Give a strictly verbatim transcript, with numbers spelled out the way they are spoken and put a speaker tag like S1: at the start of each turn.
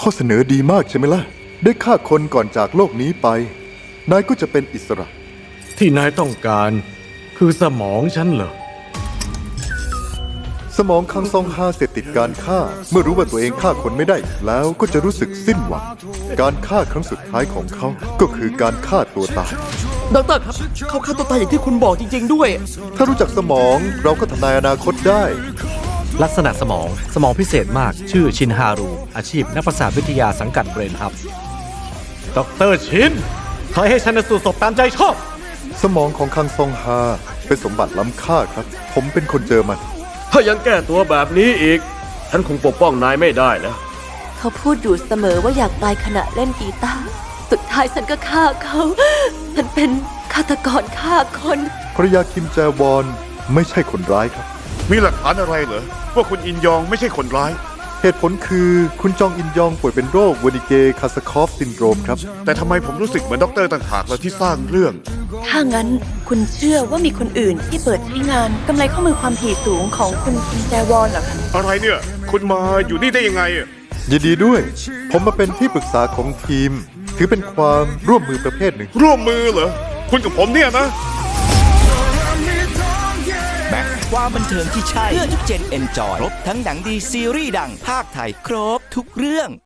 S1: ข้อเสนอดีมากใช่ไหมล่ะได้ฆ่าคนก่อนจากโลกนี้ไปนายก็จะเป็นอิสระ
S2: ที่นายต้องการคือสมองฉันเหรอ
S1: สมองคังซองฮาเสพติดการฆ่าเมื่อรู้ว่าตัวเองฆ่าคนไม่ได้แล้วก็จะรู้สึกสิ้นหวังการฆ่าครั้งสุดท้ายของเขาก็คือการฆ่าตัวตาย
S3: ดอกเตอรครับเขาฆ่าตัวตายอย่างที่คุณบอกจริงๆด้วย
S1: ถ้ารู้จักสมองเราก็ทำนายอนาคตได้
S4: ลักษณะสมองสมองพิเศษมากชื่อชินฮารูอาชีพนักประสาทวิทยาสังกัดเบรนฮับ
S2: ดอกเตอรชินขอให้ชันสูตรศพตามใจชอบ
S1: สมองของคังซองฮาเป็นสมบัติล้ำค่าครับผมเป็นคนเจอมัน
S2: ถ้ายังแก้ตัวแบบนี้อีกฉันคงปกป้องนายไม่ได้แล้ว
S5: เขาพูดอยู่เสมอว่าอยากตายขณะเล่นกีตาร์สุดท้ายฉันก็ฆ่าเขาฉันเป็นฆาตกรฆ่าคน
S1: ภรรยาคิมแจวอนไม่ใช่คนร้ายครับ
S6: มีหลักฐานอะไรเหรอว่าคุณอินยองไม่ใช่คนร้าย
S1: เหตุผลคือคุณจองอินยองป่วยเป็นโรคเวนิเกคาสคอฟซินโดรมครับ
S6: แต่ทำไมผมรู้สึกเหมือนด็อกเตอร์ต่างหากเราที่สร้างเรื่อง
S5: ถ้างั้นคุณเชื่อว่ามีคนอื่นที่เปิดใช้งานกำไรข้อมือความถี่สูงของคุณคิมแจวอนเหรอคะ
S6: อะไรเนี่ยคุณมาอยู่นี่ได้ยังไง
S1: ยินดีด้วยผมมาเป็นที่ปรึกษาของทีมถือเป็นความร่วมมือประเภทหนึ่ง
S6: ร่วมมือเหรอคุณกับผมเนี่ยนะ
S7: แม็กความบันเทิงที่ใช่เพื่อทุกเจนเอนจอยครบทั้งหนังดีซีรีส์ดังภาคไทยครบทุกเรื่อง